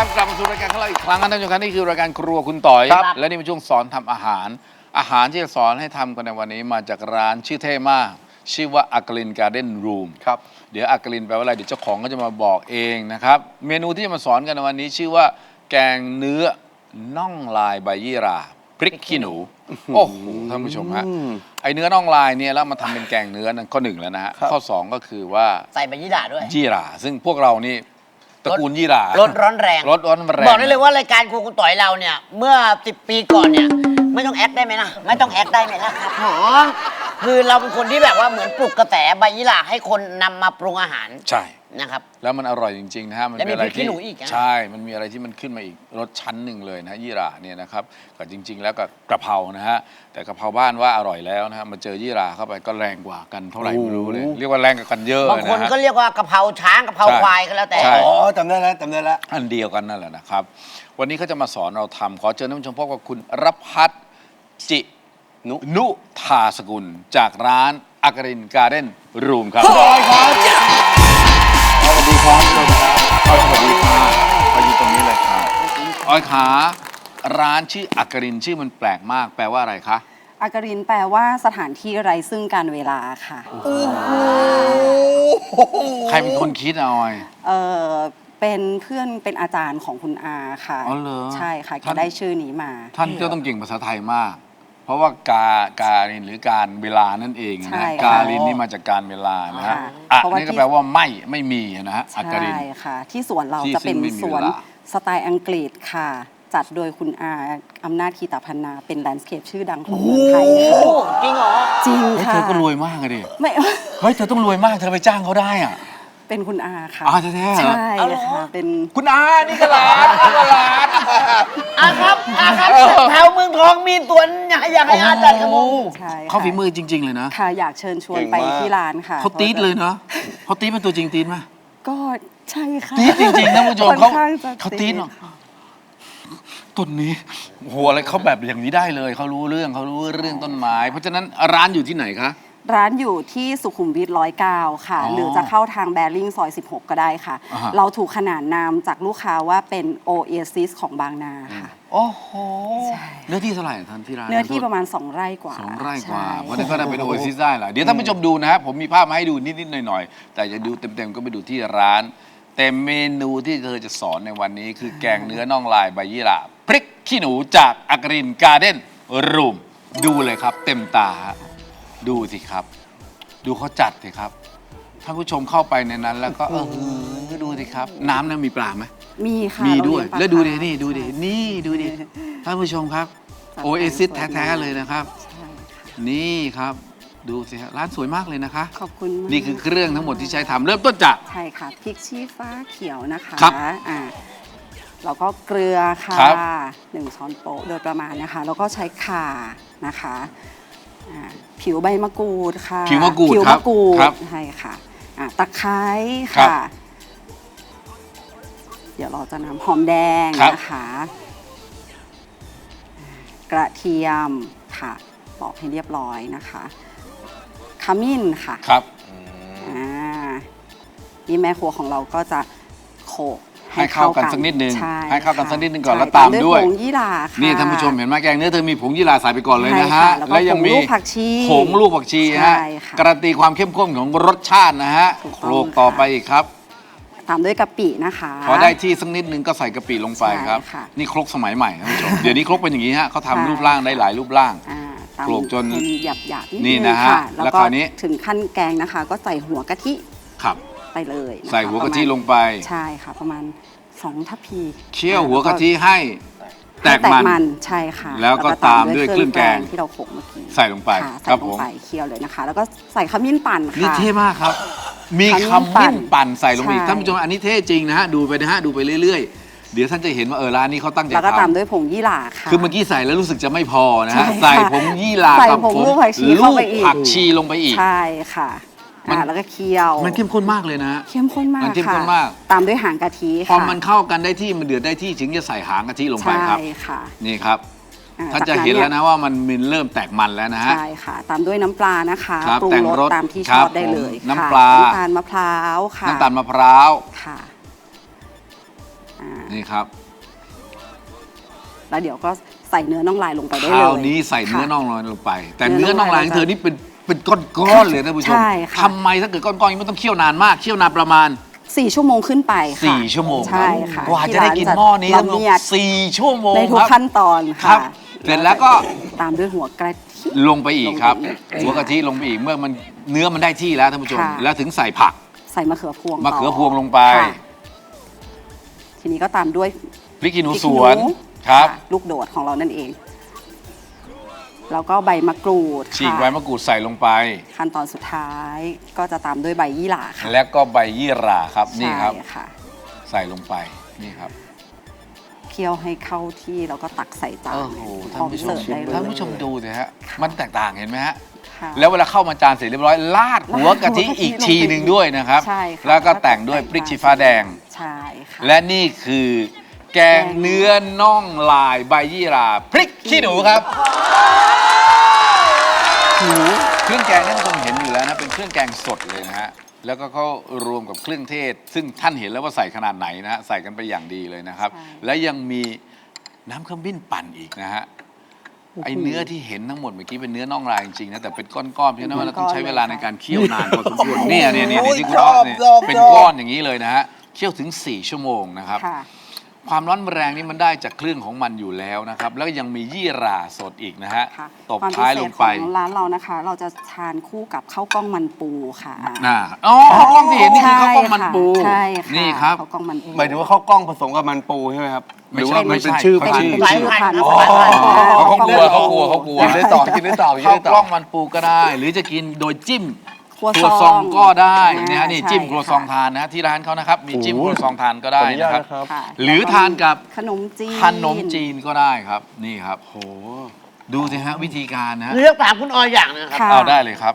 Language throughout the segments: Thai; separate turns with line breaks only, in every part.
กลับมาสู่รายการของเราอีกครั้งนะท่านผู้ชมครับนี่คือรายการครัวคุณต่อย และนี่เป็นช่วงสอนทำอาหารที่จะสอนให้ทำกันในวันนี้มาจากร้านชื่อเท่มากชื่อว่าอักลินการ์เด้นรูมครับเดี๋ยวอักลินแปลว่าอะไรเดี๋ยวเจ้าของก็จะมาบอกเองนะครับเมนูที่จะมาสอนกันในวันนี้ชื่อว่าแกงเนื้อน่องลายใบยี่หร่าพริกขี้หนูโอ้โหท่านผู้ชมฮะไอเนื้อน่องลายเนี่ยแล้วมาทำเป็นแกงเนื้อนั่นข้อหนึ่งแล้วนะฮะข้อสองก็คือว่า
ใส่ใบยี่หร่าด้วย
ยี่หร่าซึ่งพวกเรานี่ตระกูลยี่หร่าร
สร้อนแรงบอกได้เลยว่ารายการครัวคุณต่อยเราเนี่ยเมื่อ10 ปีก่อนเนี่ยไม่ต้องแอคได้ไหมนะไม่ต้องแอคได้ไหมล่ะครับผมคือเราเป็นคนที่แบบว่าเหมือนปลุกกระแสใบยี่หร่าให้คนนำมาปรุงอาหาร
ใช่
นะครับ
แล้วมันอร่อยจริงๆนะฮะ
มันมีอะไรที่
ใช่มันมีอะไรที่มันขึ้นมาอีกรสชั้นหนึ่งเลยนะยี่หร่าเนี่ยนะครับก็จริงๆแล้วก็กระเพรานะฮะแต่กระเพราบ้านว่าอร่อยแล้วนะฮะมาเจอยี่หร่าเข้าไปก็แรงกว่ากันเท่าไหร่ไม่รู้เลยเรียกว่าแรงกว่ากันเยอะ
บางคนก็เรียกว่ากระเพราช้างกระเพราควายก็แล้วแต่
อ๋อจำได้แล้ว
อันเดียวกันนั่นแหละนะครับวันนี้เขาจะมาสอนเราทำขอเชิญท่านผู้ชมพบกับคุณรพัฒน์จินุธาสกุลจากร้านอักรินการ์เด้นรูมครับสวัสดีครับสวัสดีครับสวัสดีค่ะไปอยู่ตรงนี้เลยครับอ้อยขาร้านชื่ออักรินชื่อมันแปลกมากแปลว่าอะไรคะ
อักรินแปลว่าสถานที่ไร้ซึ่งการเวลาค่ะ
ใครเป็นคนคิดอ้อย
เป็นเพื่อนเป็นอาจารย์ของคุณอาค่ะ
อ๋อเหรอ
ใช่ค่ะก็ได้ชื่อนี้มา
ท่านก็ต้องเก่งภาษาไทยมากเพราะว่าการินหรือการเวลานั่นเองนะการินนี่มาจากการเวลานะฮะนี่ก็แปลว่าไม่มีนะฮะอักริน
ใช่ค่ะที่สวนเราจะเป็นสวนสไตล์อังกฤษค่ะจัดโดยคุณอาอำนาจคีตาพันนาเป็นแลนด์สเคปชื่อดังของเมืองไทยค่ะ
จริงเหรอ
จริงค่ะ
เธอก็รวยมากเลยดิ
ไม่
เฮ้ยเธอต้องรวยมากเธอไปจ้างเขาได้อ่ะ
เป็นคุณอาค่ะ
แท้
ๆใช่ค่ะเป็น
คุณอานี่ก็ร้าน
ครับแถวเมืองทองมีสวนอยากให้อาจัดกระมู
ใช่
เขาฝีมือจริงๆเลยนะ
ค่ะอยากเชิญชวนไปที่ร้านค่ะ
เขาตี๊ดเลยเนาะเขาตี๊ดเป็นตัวจริงตี๊ดไหม
ก็ใช่ค่ะ
ตี๊ดจริงๆท่านผู้ชมเขาตี๊ดเนาะต้นนี้โหอะไรเขาแบบอย่างนี้ได้เลยเขารู้เรื่องต้นไม้เพราะฉะนั้นร้านอยู่ที่ไหนคะ
ร้านอยู่ที่สุขุมวิท109ค่ะหรือจะเข้าทางแบริ่งซอย16ก็ได้ค่ะเราถูกขนานนามจากลูกค้าว่าเป็นโอเอซิสของบางนาค่ะ
โอ้โหเนื้อที่เท่าไหร่ท่านที่ร้าน
เนื้อที่ประมาณ2 ไร่กว่า
2 ไร่กว่าวันนี้ก็ได้เป็นโอเอซิสได้แหละเดี๋ยวท่านผู้ชมดูนะครับผมมีภาพมาให้ดูนิดๆหน่อยๆแต่จะดูเต็มๆก็ไปดูที่ร้านแต่เมนูที่เธอจะสอนในวันนี้คือแกงเนื้อน่องลายใบยี่หร่าพริกขี้หนูจากอักรินการ์เด้นรูมดูเลยครับเต็มตาดูสิครับดูเขาจัดสิครับท่านผู้ชมเข้าไปในนั้นแล้วก็ดูสิครับน้ำนั้นมีปลาไหม
มีค่ะ
มีด้วยแล้วดูดินี่ดูดิท่านผู้ชมครับโอเอซิสแท้ๆเลยนะครับนี่ครับดูสิครับร้านสวยมากเลยนะคะ
ขอบคุณ
นี่คือเครื่องทั้งหมดที่ใช้ทำเริ่มต้นจาก
ใช่ค่ะพริกชี้ฟ้าเขียวนะคะ
ครับ
แล้วก็เกลือค่ะ1 ช้อนโต๊ะโดยประมาณนะคะแล้วก็ใช้ข่านะคะผิวใบมะกรูดค่ะ
ผิวมะกรูด
ใช่ค่ะตะไคร้ค่ะเดี๋ยวเราจะนำหอมแดงนะคะกระเทียมค่ะปอกให้เรียบร้อยนะคะขมิ้นค่ะ
ครับ
นี่แม่ครัวของเราก็จะโขลก
ให้เข้ากันสักนิดนึงให้เข้ากันสักนิดนึงก่อนแล้วตามด้วย
ผงยี่หร่าค่ะ
นี่ท่านผู้ชมเห็นไหมแกงเนื้อเธอมีผงยี่หร่าใส่ไปก่อนเลยนะฮะแล้วยังมีผงลูกผักชีฮะการันตีความเข้มข้นของรสชาตินะฮะโขลกต่อไปอีกครับ
ตามด้วยกะปินะคะ
พอได้ที่สักนิดนึงก็ใส่กะปิลงไปครับนี่ครกสมัยใหม่ท่านผู้ชมเดี๋ยวนี้ครกเป็นอย่างนี้ฮะเขาทำรูปร่างได้หลายรูปร่างโขลกจน
หยาบๆ
นี่นะฮะ
แล้วก็ถึงขั้นแกงนะคะก็ใส่หัวกะทิไปเลย
ใส่หัวกะทิลงไป
ใช่ค่ะประมาณ2 ทัพพี
เคี่ยวหัวกะทิให้แตกมัน
ใช่ค่ะ
แล้วก็ตามด้วยเครื่องแกง
ที่เราโขลกเมื่อกี้
ใส่ลงไป
ครับผมเคี่ยวเลยนะคะแล้วก็ใส่ขมิ้นปั่นค่ะ
นี่เท่มากครับมีขมิ้นปั่นใส่ลงไปอีกท่านผู้ชมอันนี้เท่จริงนะฮะดูไปนะฮะดูไปเรื่อยๆเดี๋ยวท่านจะเห็นว่าร้านนี้เขาตั้งใจทำ
แล้วก็ตามด้วยผงยี่หร่าค่ะ
คือเมื่อกี้ใส่แล้วรู้สึกจะไม่พอนะฮะใส่ผงยี่หร่ากับผงลูกผักชีลงไปอีก
ใช่ค่ะแล้วก็เคี่ยว
มันเข้มข้นมากเลยนะ
เข้มข้นมากค่ะตามด้วยหางกะทิ
พอมันเข้ากันได้ที่มันเดือดได้ที่ถึงจะใส่หางกะทิลงไปครับ
ใช่ค่ะ
นี่ครับท่านจะเห็นแล้วนะว่ามันเริ่มแตกมันแล้วนะฮะ
ใช่ค่ะตามด้วยน้ำปลานะคะปรุงรสตามที่ชอบได้เลย
น้ำปลา
น้ำตาลมะพร้าวค่ะ
น้ำตาลมะพร้าว
ค่ะ
นี่ครับ
แล้วเดี๋ยวก็ใส่เนื้อน่องลายลงไปได้
ค
เลย
ราวนี้ใส่เนื้อ
ค่ะ
น่องลอยลงไป แต่
เนื้
เนื้อ
อน่
น่อ
อง ง
ลา
ลาย ย
ของเธอนี่เป็นก้อนๆเลยนะผู้ชม
ใช่ค่ะ
ทำไมถ้าเกิดก้อนๆอย่างนี้มันต้องเคี่ยวนานมากเคี่ยวนานประมาณ
4 ชั่วโมงขึ้นไปค่ะ
4 ชั่วโมง
ใช่ค่ะ
กว่าจะได้กินหม้อนี้
ละเมียด
4 ชั่วโมง
ในทุก
ครับ
ขั้นตอน
ครั
ค่ะ
บเสร็จแล้วก็
ตามด้วยหัวกระทิ
ลงไปอีกครับ
ลงไปอีก
หัวกะทิลงไปอีกเมื่อมันเนื้อมันได้ที่แล้วท่านผู้ชม
ค่ะ
แล้วถึงใส่ผัก
ใส่มะเขือพวง
มะเขือ
ต่
พวงลงไป
ค่ะทีนี้ก็ตามด้วย
พริกขี้หนู
พริก
ส
ขี้
วน
หนู
ครับ
ะลูกโดดของเรานั่นเอง แล้วก็ใบมะกรูด
ฉีก
ค่ะ
ใบมะกรูดใส่ลงไป
ขั้นตอนสุดท้ายก็จะตามด้วยใบยี่หร่าค่ะ
แล้วก็ใบยี่หร่าครับนี่ครับ
ใช่ค่ะ
ใส่ลงไปนี่ครับ
เคี่ยวให้เข้าที่แล้วก็ตักใส่จาน
โอ้โห
พ
ท่า
ร้อน ม
ผู้ชม
เสิร์ฟได้เลย
ท่านผู้ชมดูสิฮะ
ค่ะ
มันแตกต่างเห็นไหมฮะ
ค่ะ
แล้วเวลาเข้ามาจานเสร็จเรียบร้อยลาดหัวกะทิอีกทีหนึ่งด้วยนะครับ
ใช่ค่ะ
แล้วก็แต่งด้วยพริกชี้ฟ้าแดง
ใช่ค่ะ
และนี่คือ แกงเนื้อน่องลายใบยี่หร่าพริกขี้หนูครับเครื่องแกงที่ท่านผู้ชมเห็นอยู่แล้วนะเป็นเครื่องแกงสดเลยนะฮะแล้วก็เขารวมกับเครื่องเทศ ซึ่งท่านเห็นแล้วว่าใส่ขนาดไหนนะฮะใส่กันไปอย่างดีเลยนะครับ
ใช่
และยังมีน้ำขมิ้นปั่นอีกนะฮะไอเนื้อที่เห็นทั้งหมดเมื่อกี้เป็นเนื้อน่องลายจริงๆนะแต่เป็นก้อนๆเพราะฉะนั้นเราต้องใช้เวลาในการเคี่ยวนานพอสมควรเนี่ยที่คุณอ๊อฟเนี่ยเป็นก้อนอย่างนี้เลยนะฮะเคี่ยวถึง4 ชั่วโมงนะครับ
ค่ะ
ความร้อนแรงนี่มันได้จากเครื่องของมันอยู่แล้วนะครับ แล้วก็ยังมียี่หร่าสดอีกนะฮะ
ค่ะ
ตบท้ายลงไป
ความพิเศษของร้านเรานะคะ เราจะทานคู่กับข้าวกล้องมันปูค่ะ
อ๋อข้าวกล้องที่เห็นนี่คือข้าวกล้องมันปู
ใช่ค่ะ
นี่ครับ
ข้าวกล้องมันปู
หมายถึงว่าข้าวกล้องผสมกับมันปูใช่ไหมครับ หรือว่า
ไม่
มัน
ใช่
เป็นชื่อ
ไม่
พัน
ใช่
ธุ์
สายพันธุ์
อ๋อ
สายพันธุ์
เขากลัวเขากลัว
กินได้ต่อกินได้ต่อกิน
ข้าว
ได้ต่
กล้
อ
องมันปูก็ได้ หรือจะกินโดยจิ้ม
ครัว
ครัวซองก็ได้นะฮะ
อ่า
นี่
ใช่
จิ้มครัวซอง
ค่ะ
ทานนะฮะที่ร้านเขานะครับมีจิ้มครัวซองทานก็
ขอ
ได้
อนุญา
นะ
ต
ครับ
นะครับ
ค่ะ
หรือทานกับ
ขนมจีน
ขนมจีนก็ได้ครับนี่ครับโหดูสิฮะวิธีการนะฮะ
เลือกถามคุณออยอย่างหนึงครับ
ค่ะ
เอาได้เลยครับ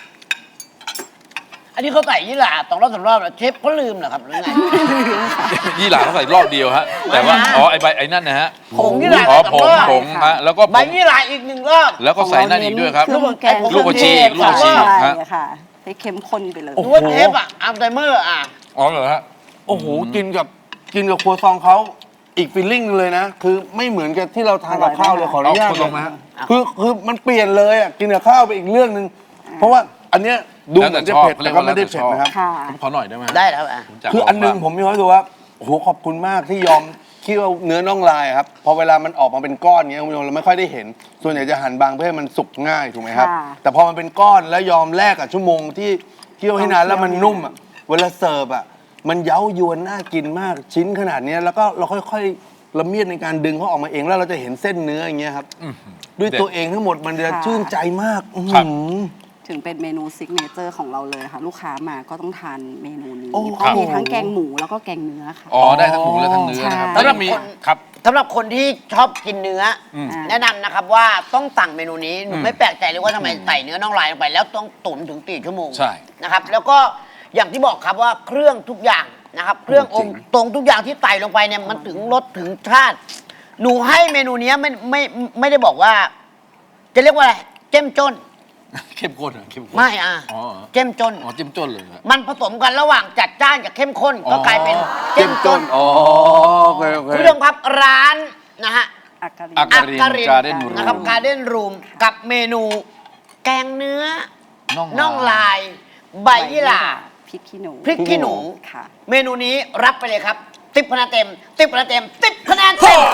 อันนี้เขาใส่ยี่หร่า2 รอบ 3 รอบแล้วเชฟเขาลืมเหรอครับหรือไง
ยี่หร่าเขาใส่รอบเดียวฮะแต่ว่าอ๋อไอใบไอ้นั่นนะฮะ
ผงยี่หร่า
อ๋อ
ส
ผ
อง
ง
รอบ
ผงฮะแล้วก็ผ
ใบ
ง
ยี่หร่าอีก1 รอบ
แล้วก็ใส่นั่นอีกด้วยครับ
เครื่องแกง
ลูกผักชีลูกผักชี
ใช่
ฮะ
ค่ะให้เข้มข้นไปเลย
ดูว่าเชฟอะอัลไซเมอร์อะ
อ๋อเหรอฮะ
โอ้โหกินกับครัวซองเขาอีกฟีลลิ่งนึงเลยนะ คือไม่เหมือนกับที่เราทานกับข้าวเลยขออนุญาต
เอาครัวซองมาฮะ
คือมันเปลี่ยนเลยอ่ะกินกับข้าวไปอีกเรื่องหนึ่งเพราะว่าอันเนี้ยดูเหมือนจะเผ็ดแต่ก็ไม่ได้เผ็ดนะครับ
ค่ะ
ผมขอหน่อยได้ไหมฮะ
ได้แล้วอะ
ผมจัด
คืออันหนึง
ลง
ผมมีความรู้สึกว่าโอ้โหขอบคุณมากที่ยอมเคี่ยวเนื้อน่องลายครับพอเวลามันออกมาเป็นก้อนเงี้ยคุณผู้ชมเราไม่ค่อยได้เห็น ส่วนใหญ่จะหั่นบางเพื่อให้มันสุกง่ายถูกไหมครับ
ค่ะ
แต่พอมันเป็นก้อนแล้วยอมแลกกับชั่วโมงที่เคี่ยวให้นานแล้วมันนุ่มอ่ะเวลาเสิร์ฟอ่ะมันเย้ายวนน่ากินมากชิ้นขนาดเนี้ยแล้วก็เราค่อยๆละเมียดในการดึงเขาออกมาเองแล้วเราจะเห็นเส้นเนื้ออย่างเงี้ยครับด้วยตัวเองทั้งหมดมันจะ
ค่ะ
ชื่นใจมากอื้อ
ครับ
หือ
ถึงเป็นเมนูซิกเนเจอร์ของเราเลยค่ะ ลูกค้ามาก็ต้องทานเมนูนี้
โอ้
เพราะมีทั้งแกงหมูแล้วก็แกงเนื้อค่ะ
อ๋อได้ทั้งหมูและทั้งเนื้อนะครับ
ใช่
แล้วก็มีครับ
สำหรับคนที่ชอบกินเนื้ออ
ม
แนะนำนะครับว่าต้องสั่งเมนูนี้หนูไม่แปลกใจเลยว่าทำไมใส่เนื้อน่องลายลงไป แล้วต้องตุ๋นถึง4 ชั่วโมง
ใช่
นะครับ แล้วก็อย่างที่บอกครับว่าเครื่องทุกอย่างนะครับ เครื่ององค์ตรงทุกอย่างที่ใส่ลงไปเนี่ยมันถึงรสถึงชาติ หนูให้เมนูเนี้ยไม่ได้บอกว่า จะเรียกว่าอะไรเจ้มจน
เข้มข้นเหรอเข้มข้น
ไม่
อ๋อ
เจ้มจน
อ๋อจิ้มจ้นเลยครับ
มันผสมกันระหว่างจัดจ้านกับเข้มข้นก็กลายเป็นเจ้มจน
อ๋อโอเคโอเค
คุณผู้ชมครับร้านนะฮะ
อักกะริ
อัก
น
กะ Garden
นะ
Room
ครับการ์เด้นรูมกับเมนูแกงเนื้อ น่องลาย ใบยี่หร่า
พริกขี้หนู
พริกขี้หนู
ค่ะ
เมนูนี้รับไปเลยครับ10 คะแนนเต็ม10 คะแนนเต็ม10 คะแนนเต็ม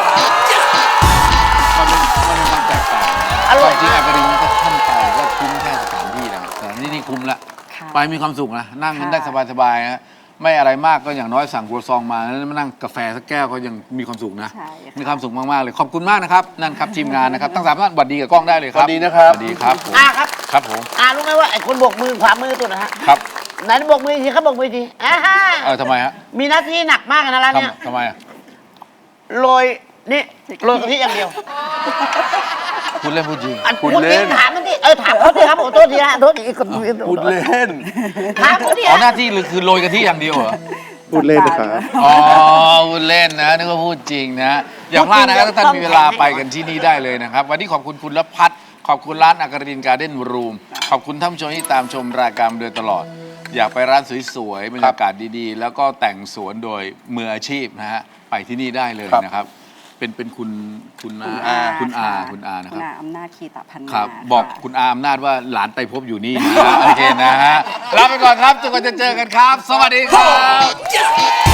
มันเป็นความแตกต่าง
อร่อย
จริง
มาก
ๆอักกะรินก็ท่านไปก็คุ้มแค่สถานที่นะครับแต่นี่คุ้มละ
ค่ะ
ไปมีความสุขนะนั่งกัน
ค่ะ
ได้สบายๆนะไม่อะไรมากก็อย่างน้อยสั่งครัวซองมาแล้วมานั่งกาแฟสักแก้วก็ยังมีความสุขนะ
ใช่ค่ะ
มีความสุขมากๆเลยขอบคุณมากนะครับนั่นครับทีมงานนะครับทั้งสามท่านสวัสดีกับกล้องได้เลยครับ
สวัสดีนะครับ
สวัสดีครับผม
ครับ
ครับผม
รู้ไหมว่าไอ้คนโบกมือขวามือตัวนะฮะ
ครับ
ไหนโบกมือทีครับโบกมือทีฮ่า
ทำไมฮะ
มีหน้าที่หนักมากนะร้านเนี้ย
ทำไมอะ
โรยนี่โรยกะทิอย่างเดียว
พูดเล่นพูดจริง
อัน
พูด
พูด
เล่
จริง
น
ถามมันดิถามเขาดิครับโอ้โทษทีฮะโทษที
พูดเล่น
ถามเขาดิ
อ๋อ
ฮะ
หน้าที่คือโรยกะทิอย่างเดียวเหรอ
พูดเล่นนะครับ
อ๋อพูดเล่นนะนึกว่าพูดจริงนะ อย่างพลาดนะครับถ้าท่านมีเวลาไปกันที่นี่ได้เลยนะครับ วันนี้ขอบคุณคุณละพัฒน์ขอบคุณร้านอักกรินการ์เด้นรูมขอบคุณท่านผู้ชมที่ตามชมรายการมาโดยตลอดอยากไปร้านสวยๆบรรยากาศดีๆ แล้วก็แต่งสวนโดยมืออาชีพนะฮะไปที่นี่ได้เลยนะครับเป็นคุณอาคุณอานะครับ
คุณอาอำนาจคีตพันนา
ครับ
ค่ะ
บอกคุณอาอำนาจว่าหลานไตรภพอยู่นี่นะฮะโอเคนะฮะลาไปก่อนครับจนกว่าจะเจอกันครับ สวัสดีครับ